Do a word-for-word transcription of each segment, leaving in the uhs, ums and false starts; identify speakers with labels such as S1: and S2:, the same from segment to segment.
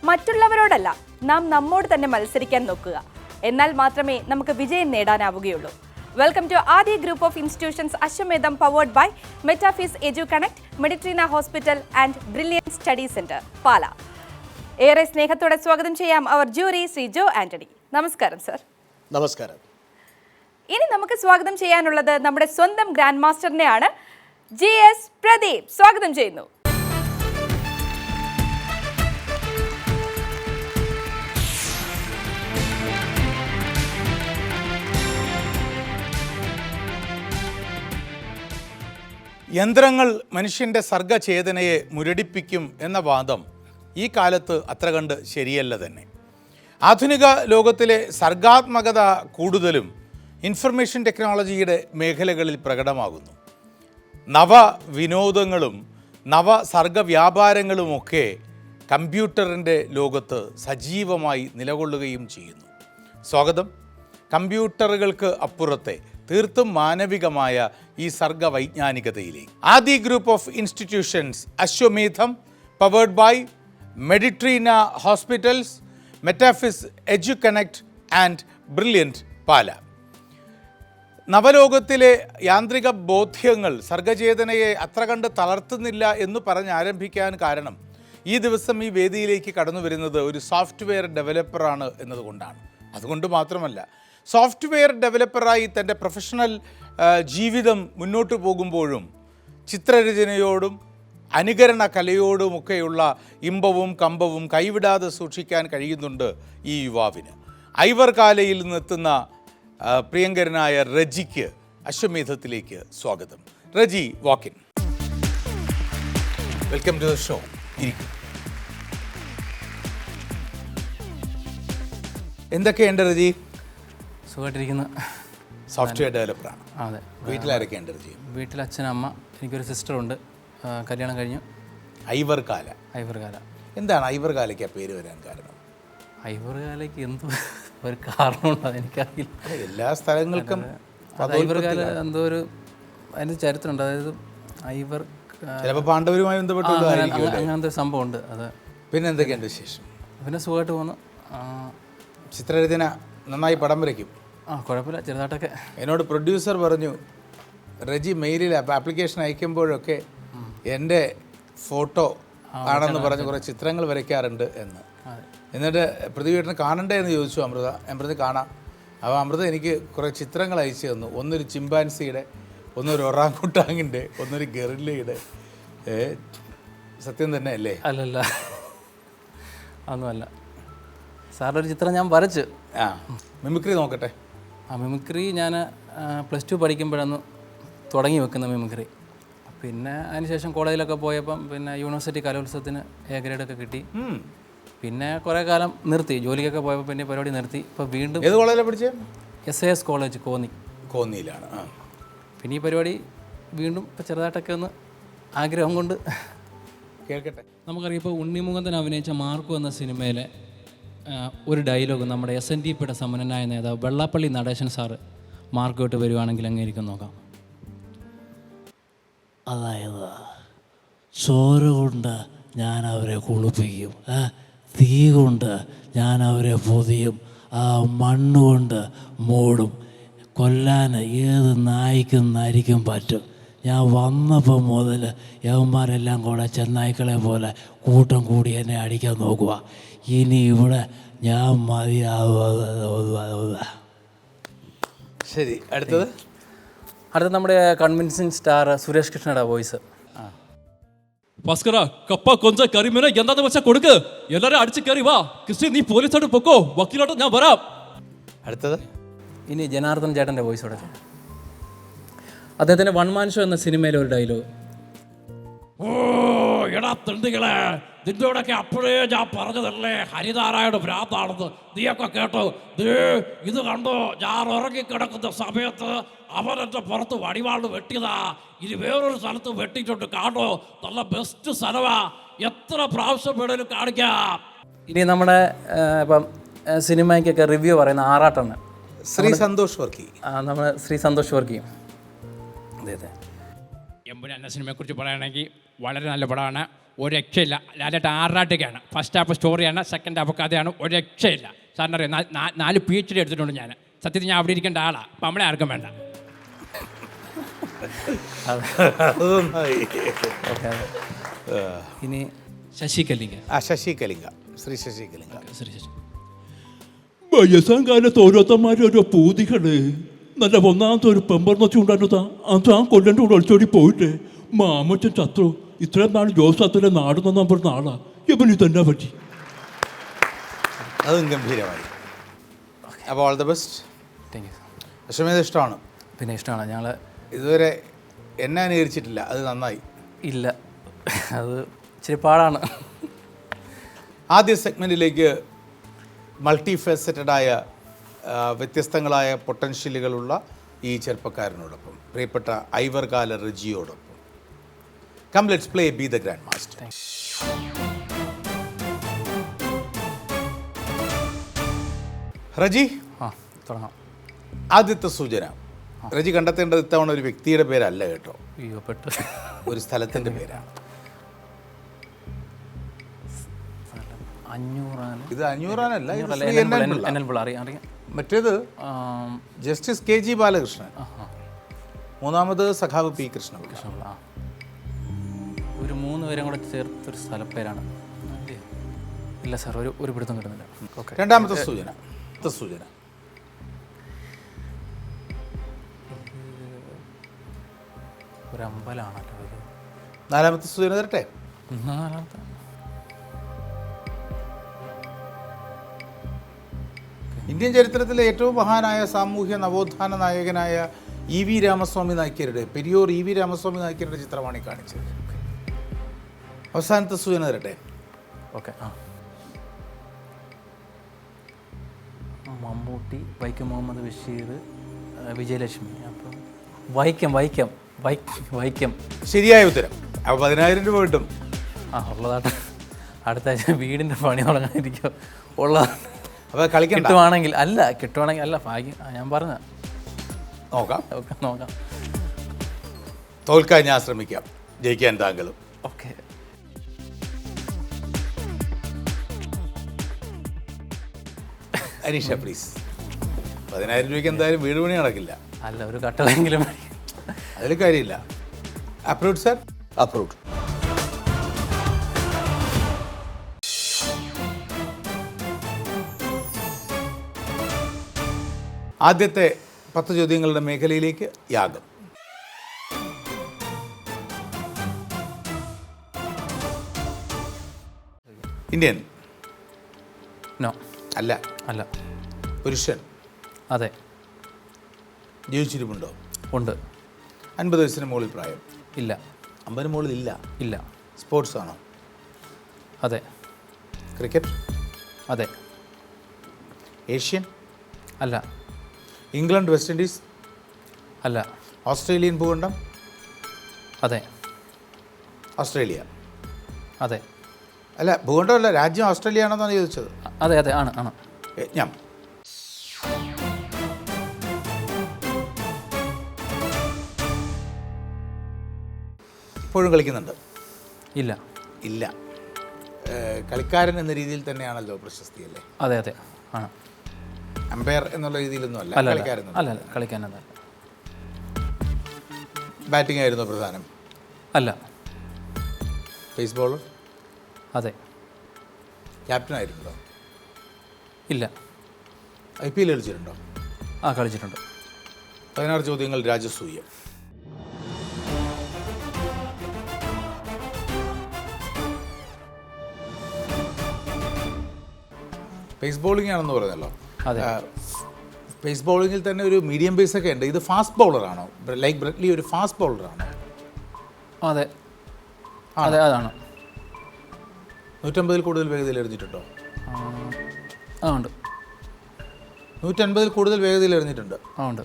S1: മറ്റുള്ളവരോടല്ല, നാം നമ്മോട് തന്നെ മത്സരിക്കാൻ നോക്കുക. എന്നാൽ മാത്രമേ നമുക്ക് വിജയം നേടാനാവുകയുള്ളൂ. Welcome to Aadi group of institutions Ashwamedham, powered by മെറ്റാഫിസ് edu connect, Meditrina hospital and brilliant study centre, Pala. ഏറെ സ്നേഹത്തോടെ സ്വാഗതം ചെയ്യാം അവർ ജൂറി ശ്രീ ജോ ആന്റണി. നമസ്കാരം സർ.
S2: നമസ്കാരം.
S1: ഇനി നമുക്ക് സ്വാഗതം ചെയ്യാനുള്ളത് നമ്മുടെ സ്വന്തം ഗ്രാൻഡ് മാസ്റ്ററിനെയാണ്. ജി എസ് പ്രദീപ്, സ്വാഗതം ചെയ്യുന്നു.
S2: യന്ത്രങ്ങൾ മനുഷ്യൻ്റെ സർഗചേതനയെ മുരടിപ്പിക്കും എന്ന വാദം ഈ കാലത്ത് അത്ര കണ്ട് ശരിയല്ല തന്നെ. ആധുനിക ലോകത്തിലെ സർഗാത്മകത കൂടുതലും ഇൻഫർമേഷൻ ടെക്നോളജിയുടെ മേഖലകളിൽ പ്രകടമാകുന്നു. നവ വിനോദങ്ങളും നവ സർഗവ്യാപാരങ്ങളുമൊക്കെ കമ്പ്യൂട്ടറിൻ്റെ ലോകത്ത് സജീവമായി നിലകൊള്ളുകയും ചെയ്യുന്നു. സ്വാഗതം കമ്പ്യൂട്ടറുകൾക്ക് അപ്പുറത്തെ തീർത്തും മാനവികമായ ഈ സർഗവൈജ്ഞാനികതയിലേക്ക്. Aadi group of institutions Ashwamedham, powered by Meditrina hospitals, മെറ്റാഫിസ് edu connect and brilliant, Pala. നവലോകത്തിലെ യാന്ത്രിക ബോധ്യങ്ങൾ സർഗചേതനയെ അത്ര കണ്ട് തളർത്തുന്നില്ല എന്ന് പറഞ്ഞ് ആരംഭിക്കാൻ കാരണം ഈ ദിവസം ഈ വേദിയിലേക്ക് കടന്നു വരുന്നത് ഒരു സോഫ്റ്റ്വെയർ ഡെവലപ്പറാണ് എന്നതുകൊണ്ടാണ്. അതുകൊണ്ട് മാത്രമല്ല, സോഫ്റ്റ്വെയർ ഡെവലപ്പറായി തൻ്റെ പ്രൊഫഷണൽ ജീവിതം മുന്നോട്ട് പോകുമ്പോഴും ചിത്രരചനയോടും അനുകരണ കലയോടുമൊക്കെയുള്ള ഇമ്പവും കമ്പവും കൈവിടാതെ സൂക്ഷിക്കാൻ കഴിയുന്നുണ്ട് ഈ യുവാവിന്. ഐവർ കാലയിൽ നിന്നെത്തുന്ന പ്രിയങ്കരനായ റജിക്ക് അശ്വമേധത്തിലേക്ക് സ്വാഗതം. Reji, walk in. Welcome to the show. ഇരിക്കും. എന്തൊക്കെയുണ്ട് റജി?
S3: സുഖമായിട്ടിരിക്കുന്ന
S2: സോഫ്റ്റ്വെയർ ഡെവലപ്പറാണ്.
S3: അതെ.
S2: വീട്ടിലാരൊക്കെയുണ്ട് റജി?
S3: വീട്ടിൽ അച്ഛൻ, അമ്മ, എനിക്കൊരു സിസ്റ്ററുണ്ട്. കല്യാണം കഴിഞ്ഞു.
S2: ഐവർ കാല.
S3: ഐവർ കാല.
S2: എന്താണ് ഐവർ കാലയ്ക്ക് ആ പേര് വരാൻ കാരണം?
S3: ഐവർ കാലയ്ക്ക് എന്തോ ഒരു കാരണമുണ്ടോ അതെനിക്കറിയില്ല.
S2: എല്ലാ സ്ഥലങ്ങൾക്കും
S3: ഐവർ കാല എന്തോ ഒരു അതിൻ്റെ ചരിത്രമുണ്ട്. അതായത് ഐവർ
S2: ചിലപ്പോൾ പാണ്ഡവരുമായി ബന്ധപ്പെട്ടുള്ളതായിരിക്കും.
S3: അങ്ങനത്തെ ഒരു സംഭവമുണ്ട്. അത്
S2: പിന്നെ എന്തൊക്കെയുണ്ട് വിശേഷം?
S3: പിന്നെ സുഖമായിട്ട് പോകുന്നു.
S2: ചിത്രരചന നന്നായി പടം വരയ്ക്കും?
S3: ആ, കുഴപ്പമില്ല, ചെറുതായിട്ടൊക്കെ.
S2: എന്നോട് പ്രൊഡ്യൂസർ പറഞ്ഞു, റജി മെയിലിൽ ആപ്ലിക്കേഷൻ അയക്കുമ്പോഴൊക്കെ എൻ്റെ ഫോട്ടോ ആണെന്ന് പറഞ്ഞ് കുറേ ചിത്രങ്ങൾ വരയ്ക്കാറുണ്ട് എന്ന്. എന്നിട്ട് പ്രതിവേട്ടന് കാണണ്ടേ എന്ന് ചോദിച്ചു അമൃത. ഞാൻ പറഞ്ഞ് കാണാം. അപ്പോൾ അമൃത എനിക്ക് കുറേ ചിത്രങ്ങൾ അയച്ചു തന്നു. ഒന്നൊരു ചിമ്പാൻസിയുടെ, ഒന്നൊരു ഒറാങ്കുട്ടാങ്ങിൻ്റെ, ഒന്നൊരു ഗറില്ലയുടെ. സത്യം തന്നെ അല്ലേ?
S3: അല്ലല്ല, അതൊന്നുമല്ല. സാറിൻ്റെ ഒരു ചിത്രം ഞാൻ വരച്ച്.
S2: ആ, മിമിക്രി നോക്കട്ടെ.
S3: ആ, മിമിക്രി ഞാൻ പ്ലസ് ടു പഠിക്കുമ്പോഴാണ് തുടങ്ങി വെക്കുന്ന മിമിക്രി. പിന്നെ അതിനുശേഷം കോളേജിലൊക്കെ പോയപ്പം പിന്നെ യൂണിവേഴ്സിറ്റി കലോത്സവത്തിന് എ ഗ്രേഡൊക്കെ കിട്ടി. പിന്നെ കുറേ കാലം നിർത്തി, ജോലിക്കൊക്കെ പോയപ്പോൾ പിന്നെ പരിപാടി നിർത്തി. ഇപ്പോൾ വീണ്ടും.
S2: ഏത് കോളേജിലാണ് പഠിച്ചത്?
S3: S A S college, Konni.
S2: കോന്നിയിലാണ്. ആ,
S3: പിന്നെ ഈ പരിപാടി വീണ്ടും ഇപ്പോൾ ചെറുതായിട്ടൊക്കെ ഒന്ന് ആഗ്രഹം കൊണ്ട്
S2: കേൾക്കട്ടെ.
S3: നമുക്കറിയാം, ഇപ്പോൾ ഉണ്ണിമുഖന്തൻ അഭിനയിച്ച മാർക്കു എന്ന സിനിമയിലെ ഒരു ഡയലോഗ് നമ്മുടെ എസ് എൻ ഡി പിയുടെ സമ്പന്നനായ നേതാവ് വെള്ളാപ്പള്ളി നടേശൻ സാറ് മാർക്കോട്ട് വരുവാണെങ്കിൽ അങ്ങേരിക്കും നോക്കാം.
S4: അതായത് ചോര കൊണ്ട് ഞാൻ അവരെ കുളിപ്പിക്കും, തീ കൊണ്ട് ഞാൻ അവരെ പൊതിയും, ആ മണ്ണുകൊണ്ട് മൂടും. കൊല്ലാൻ ഏത് നായ്ക്കും നരിക്കും പറ്റും. ഞാൻ വന്നപ്പോൾ മുതൽ യവന്മാരെല്ലാം കൂടെ ചെന്നായ്ക്കളെ പോലെ കൂട്ടം കൂടി എന്നെ അടിക്കാൻ നോക്കുക. ഇനി ഇവിടെ ഞാൻ മതിയാവുക.
S2: ശരി, അടുത്തത്.
S3: അടുത്ത നമ്മുടെ കൺവിൻസിങ് സ്റ്റാർ സുരേഷ് കൃഷ്ണയുടെ വോയിസ്.
S5: ഭാസ്കര, കപ്പ കൊഞ്ച കരിമീന എന്താന്ന് വെച്ചാൽ കൊടുക്ക്, എല്ലാരും അടിച്ചു കയറി വാ. കൃഷ്ണി, നീ പോലീസോട്ട് പൊക്കോ, വക്കീലോട്ട് ഞാൻ വരാം.
S2: അടുത്തത്.
S3: ഇനി ജനാർദ്ദൻ ചേട്ടൻ്റെ വോയിസ് കൊടുക്കുക. അദ്ദേഹത്തിൻ്റെ വൺ മാൻ ഷോ എന്ന സിനിമയിലെ ഒരു ഡയലോഗ്.
S5: ഓ എടാ തെണ്ടികളെ, നിന്നോടൊക്കെ അപ്പോഴേ ഞാൻ പറഞ്ഞതല്ലേ ഹരിനാരായണ ഭ്രാന്താണെന്ന്. നീയൊക്കെ കേട്ടോ? ഇത് കണ്ടോ, ഞാൻ ഉറങ്ങിക്കിടക്കുന്ന സമയത്ത് അവൻ എൻ്റെ പുറത്ത് വടിവാള് വെട്ടിയതാ. ഇനി വേറൊരു സ്ഥലത്ത് വെട്ടിയിട്ടുണ്ട്, കാണോ? നല്ല ബെസ്റ്റ് സ്ഥലമാ, എത്ര പ്രാവശ്യം വേണേലും കാണിക്കാം.
S3: ഇനി നമ്മുടെ ഇപ്പം സിനിമയ്ക്കൊക്കെ റിവ്യൂ പറയുന്ന ആറാട്ടാണ്
S2: ശ്രീ സന്തോഷ് വർക്കി.
S3: നമ്മൾ ശ്രീ സന്തോഷ് വർക്കി. അതെ അതെ.
S5: എമ്പുരാൻ എന്ന സിനിമയെക്കുറിച്ച് പറയുകയാണെങ്കിൽ വളരെ നല്ല പടമാണ്. ഒരു രക്ഷയില്ല. ലാലേട്ടൻ ആറാട്ടൊക്കെയാണ്. ഫസ്റ്റ് ഹാഫ് സ്റ്റോറിയാണ്, സെക്കൻഡ് ഹാഫ് കഥയാണ്. ഒരു രക്ഷയില്ല. സാറിന് അറിയാം, നാല് പി എച്ച് ഡി എടുത്തിട്ടുണ്ട് ഞാൻ. സത്യത്തിൽ ഞാൻ അവിടെ ഇരിക്കേണ്ട ആളാണ്. അപ്പം നമ്മളെ ആർക്കും വേണ്ട.
S3: ഇനി ശശി കലിംഗ.
S2: ആ ശശി കലിംഗ, ശ്രീ ശശി കലിംഗ.
S3: ശ്രീ ശശി.
S6: വയസ്സാം കാലത്ത് ഓരോരുത്തന്മാരും ഓരോ പൂതികള്. നല്ല ഒന്നാമത്തെ ഒരു പെമ്പർന്നൊച്ച ഉണ്ടായിരുന്നതാ. അത് ആ കൊല്ലൻ്റെ കൂടെ ഒളിച്ചോടി പോയിട്ട് മാമച്ചൻ ചത്രു. ഇത്രയും നാൾ ജോസ് അത്തലെ നാട് നന്നാൻ പറഞ്ഞ ആളാ. ഇവന് ഇതെന്നാ പറ്റി?
S2: അതും ഗംഭീരമായി. അപ്പോൾ all the best.
S3: Thank you.
S2: Ashwamedha ഇഷ്ടമാണ്?
S3: പിന്നെ ഇഷ്ടമാണ്. ഞങ്ങൾ
S2: ഇതുവരെ എന്നെ അനുകരിച്ചിട്ടില്ല, അത് നന്നായി.
S3: ഇല്ല, അത് ഇച്ചിരി പാടാണ്.
S2: ആദ്യ സെഗ്മെൻറ്റിലേക്ക് മൾട്ടി ഫെസറ്റഡായ വ്യത്യസ്തങ്ങളായ പൊട്ടൻഷ്യലുകളുള്ള ഈ ചെറുപ്പക്കാരനോടൊപ്പം, പ്രിയപ്പെട്ട ഐവർകാല റജിയോടൊപ്പം. Come let's play be the grand master. റജി,
S3: ആ തുടങ്ങാം.
S2: ആദ്യത്തെ സൂചന. റജി കണ്ടെത്തേണ്ടത് ഇത്തവണ ഒരു വ്യക്തിയുടെ പേരല്ല കേട്ടോ,
S3: അയ്യോ പെട്ട്
S2: ഒരു സ്ഥലത്തിൻ്റെ പേരാണ്.
S3: അഞ്ഞൂറാണ്.
S2: ഇത് അഞ്ഞൂറാനല്ല, ഇത്
S3: അഞ്ഞൂറല്ല,
S2: Shri N N Pillai.
S3: N N Pillai അറിയാം അറിയാം.
S2: മറ്റേത്
S3: ആം,
S2: ജസ്റ്റിസ് കെ ജി ബാലകൃഷ്ണൻ,
S3: ആഹാ.
S2: മൂന്നാമത് സഖാവ് പി കൃഷ്ണപിള്ള.
S3: കൃഷ്ണപിള്ള. ആ ഒരു മൂന്ന് പേരും കൂടെ ചേർത്തൊരു സ്ഥലപ്പേരാണ്. ഇല്ല സാർ, ഒരു ഒരു പിടുത്തം കിട്ടുന്നില്ല. ഓക്കെ.
S2: രണ്ടാമത്തെ സൂചന. അടുത്ത സൂചന.
S3: ഒരു അമ്പലമാണല്ലോ ഇത്.
S2: നാലാമത്തെ സൂചന തരട്ടെ.
S3: നാലാമത്തെ
S2: ഇന്ത്യൻ ചരിത്രത്തിലെ ഏറ്റവും മഹാനായ സാമൂഹ്യ നവോത്ഥാന നായകനായ ഇ വി രാമസ്വാമി നായ്ക്കരുടെ, പെരിയോർ ഇ വി രാമസ്വാമി നായ്ക്കരുടെ ചിത്രമാണ് ഈ കാണിച്ചത്. അവസാനത്തെ സൂചന തരട്ടെ.
S3: ഓക്കെ. ആ മമ്മൂട്ടി, വൈക്കം മുഹമ്മദ് ബഷീർ, വിജയലക്ഷ്മി. അപ്പം വൈക്കം വൈക്കം വൈക്കം വൈക്കം
S2: ശരിയായ ഉത്തരം. അപ്പോൾ പതിനായിരം രൂപ കിട്ടും.
S3: ആ ഉള്ളതായിട്ട് അടുത്ത ആഴ്ച വീടിൻ്റെ പണി തുടങ്ങാനിരിക്കും. ഉള്ളതാണ്.
S2: അപ്പോൾ കളിക്കണ്ട.
S3: കിട്ടുവാണെങ്കിൽ അല്ല കിട്ടുവാണെങ്കിൽ അല്ല ഭാഗ്യം. ആ, ഞാൻ പറഞ്ഞ
S2: നോക്കാം.
S3: ഓക്കെ നോക്കാം.
S2: തോൽക്കാൻ ഞാൻ ശ്രമിക്കാം, ജയിക്കാൻ താങ്കളും.
S3: ഓക്കെ.
S2: അനീഷ പ്ലീസ്. പതിനായിരം രൂപയ്ക്ക് എന്തായാലും വീട് പണി നടക്കില്ല.
S3: അല്ല, ഒരു കട്ടളെങ്കിലും മതി.
S2: അതിൽ കാര്യമില്ല. Approved sir?
S7: അപ്രൂവ്ഡ്.
S2: ആദ്യത്തെ പത്ത് ചോദ്യങ്ങളുടെ മേഖലയിലേക്ക് യാഗം. ഇന്ത്യൻ?
S3: നോ.
S2: അല്ല.
S3: അല്ല.
S2: പുരുഷൻ?
S3: അതെ.
S2: ജീവിച്ചിരിപ്പുണ്ടോ?
S3: ഉണ്ട്.
S2: അൻപത് വയസ്സിന് മുകളിൽ പ്രായം?
S3: ഇല്ല.
S2: അമ്പതിന് മുകളിൽ ഇല്ല.
S3: ഇല്ല.
S2: സ്പോർട്സ് ആണോ?
S3: അതെ.
S2: ക്രിക്കറ്റ്?
S3: അതെ.
S2: ഏഷ്യൻ?
S3: അല്ല.
S2: England, West Indies?
S3: അല്ല.
S2: ഓസ്ട്രേലിയൻ ഭൂഖണ്ഡം?
S3: അതെ.
S2: ഓസ്ട്രേലിയ?
S3: അതെ.
S2: അല്ല, ഭൂഖണ്ഡമല്ല, രാജ്യം ഓസ്ട്രേലിയ ആണെന്നാണ് ചോദിച്ചത്.
S3: അതെ അതെ ആണ് ആണ്.
S2: ഞാൻ ഇപ്പോഴും കളിക്കുന്നുണ്ട്?
S3: ഇല്ല.
S2: ഇല്ല. കളിക്കാരൻ എന്ന രീതിയിൽ തന്നെയാണല്ലോ പ്രശസ്തി അല്ലേ?
S3: അതെ അതെ ആണ്.
S2: അമ്പയർ എന്നുള്ള രീതിയിലൊന്നും അല്ല,
S3: അല്ല
S2: കളിക്കാരൻ.
S3: അല്ല അല്ല കളിക്കാനല്ല.
S2: ബാറ്റിംഗ് ആയിരുന്നു പ്രധാനം?
S3: അല്ല.
S2: Pace bowler?
S3: അതെ.
S2: ക്യാപ്റ്റൻ ആയിട്ടുണ്ടോ?
S3: ഇല്ല.
S2: ഐ പി എൽ കളിച്ചിട്ടുണ്ടോ?
S3: ആ കളിച്ചിട്ടുണ്ട്.
S2: പതിനാറ് ചോദ്യങ്ങൾ രാജസൂയ. പേസ് ബോളിംഗ് ആണെന്ന് പറഞ്ഞല്ലോ.
S3: അതെ.
S2: പേസ് ബോളിങ്ങിൽ തന്നെ ഒരു മീഡിയം പേസ് ഒക്കെ ഉണ്ട്. ഇത് ഫാസ്റ്റ് ബൗളറാണോ? ലൈക്ക് ബ്രെഡ്ലി ഒരു ഫാസ്റ്റ് ബൗളറാണോ?
S3: അതെ അതെ അതാണ്.
S2: നൂറ്റമ്പതിൽ കൂടുതൽ വേഗതയിൽ എറിഞ്ഞിട്ടുണ്ടോ?
S3: ആ ഉണ്ട്.
S2: നൂറ്റൻപതിൽ കൂടുതൽ വേഗതയിൽ എറിഞ്ഞിട്ടുണ്ട്?
S3: ആ ഉണ്ട്.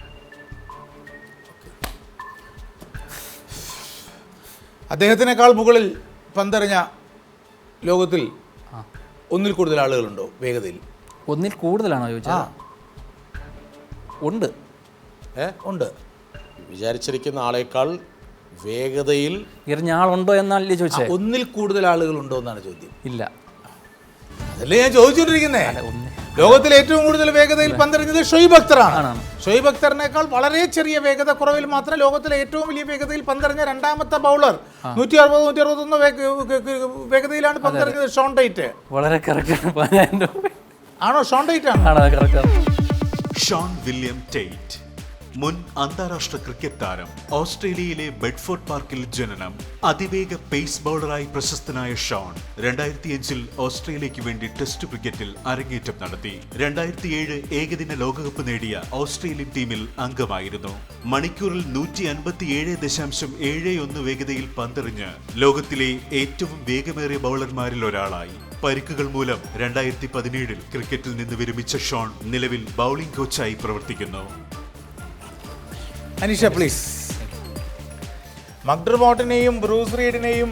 S2: അദ്ദേഹത്തിനേക്കാൾ മുകളിൽ പന്തെറിഞ്ഞ ലോകത്തിൽ ഒന്നിൽ കൂടുതൽ ആളുകളുണ്ടോ വേഗതയിൽ?
S3: ഒന്നിൽ കൂടുതലാണോ ചോദിച്ചത്? ഉണ്ട്.
S2: ഏ ഉണ്ട്.
S7: വിചാരിച്ചിരിക്കുന്ന ആളേക്കാൾ
S2: വേഗതയിൽ
S3: എറിഞ്ഞ ആളുണ്ടോ എന്നല്ലേ ചോദിച്ചേ?
S2: ഒന്നിൽ കൂടുതൽ ആളുകൾ ഉണ്ടോ എന്നാണ് ചോദ്യം.
S3: ഇല്ല.
S2: അതല്ലേ ഞാൻ ചോദിച്ചുകൊണ്ടിരിക്കുന്നേ. ലോകത്തിൽ ഏറ്റവും കൂടുതൽ വേഗതയിൽ പന്തെറിഞ്ഞത് ഷൊയ്ബ് അക്തറാണ്. ഷൊയ്ബ് അക്തറിനേക്കാൾ വളരെ ചെറിയ വേഗത കുറവിൽ മാത്രം ലോകത്തിലെ ഏറ്റവും വലിയ വേഗതയിൽ പന്തെറിഞ്ഞ രണ്ടാമത്തെ ബൗളർ. നൂറ്റി അറുപത് നൂറ്റി അറുപത്തൊന്ന് വേഗതയിലാണ് പന്തെറിഞ്ഞത് ഷോൺ ടൈറ്റ്.
S3: വളരെ കറക്റ്റ്
S2: ആണോ? ഷോൺ ടൈറ്റ് ആണ്.
S7: ഷോൺ വില്യം ടൈറ്റ്, മുൻ അന്താരാഷ്ട്ര ക്രിക്കറ്റ് താരം. ഓസ്ട്രേലിയയിലെ ബെഡ്ഫോർഡ് പാർക്കിൽ ജനനം. അതിവേഗ പേസ് ബൗളറായി പ്രശസ്തനായ ഷോൺ രണ്ടായിരത്തി അഞ്ചിൽ ഓസ്ട്രേലിയയ്ക്ക് വേണ്ടി ടെസ്റ്റ് ക്രിക്കറ്റിൽ അരങ്ങേറ്റം നടത്തി. രണ്ടായിരത്തി ഏഴ് ഏകദിന ലോകകപ്പ് നേടിയ ഓസ്ട്രേലിയൻ ടീമിൽ അംഗമായിരുന്നു. മണിക്കൂറിൽ നൂറ്റി അൻപത്തി ഏഴ് ദശാംശം ഏഴ് ഒന്ന് വേഗതയിൽ പന്തെറിഞ്ഞ് ലോകത്തിലെ ഏറ്റവും വേഗമേറിയ ബൗളർമാരിൽ ഒരാളായി. പരിക്കുകൾ മൂലം രണ്ടായിരത്തി പതിനേഴിൽ ക്രിക്കറ്റിൽ നിന്ന് വിരമിച്ച ഷോൺ നിലവിൽ ബൗളിംഗ് കോച്ചായി പ്രവർത്തിക്കുന്നു.
S2: അനീഷ പ്ലീസ്. മക്ഡർമോട്ടിനെയും ബ്രൂസ് റീഡിനെയും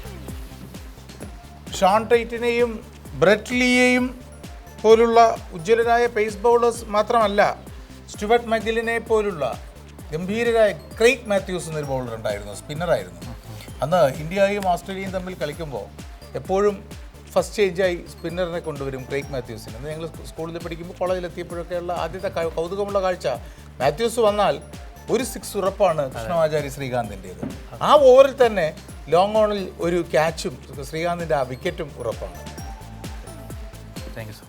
S2: ഷോൺ ടൈറ്റിനെയും ബ്രെറ്റ് ലീയെയും പോലുള്ള ഉജ്ജ്വലരായ പേസ് ബൗളേഴ്സ് മാത്രമല്ല, സ്റ്റുവർട്ട് മഗിലിനെ പോലുള്ള ഗംഭീരരായ ക്രെയ്ഗ് മാത്യൂസ് എന്നൊരു ബൗളർ ഉണ്ടായിരുന്നു, സ്പിന്നറായിരുന്നു. അന്ന് ഇന്ത്യയും ഓസ്ട്രേലിയയും തമ്മിൽ കളിക്കുമ്പോൾ എപ്പോഴും ഫസ്റ്റ് ചേഞ്ചായി സ്പിന്നറിനെ കൊണ്ടുവരും ക്രെയ്ഗ് മാത്യൂസിന്. അന്ന് ഞങ്ങൾ സ്കൂളിൽ പഠിക്കുമ്പോൾ കോളേജിലെത്തിയപ്പോഴൊക്കെയുള്ള ആദ്യത്തെ കൗതുകമുള്ള കാഴ്ച, മാത്യൂസ് വന്നാൽ ഒരു സിക്സ് ഉറപ്പാണ് കൃഷ്ണമാചാരി ശ്രീകാന്തിൻ്റേത്. ആ ഓവറിൽ തന്നെ ലോങ് ഓണിൽ ഒരു ക്യാച്ചും ശ്രീകാന്തിൻ്റെ ആ വിക്കറ്റും ഉറപ്പാണ്.
S3: Thank you sir.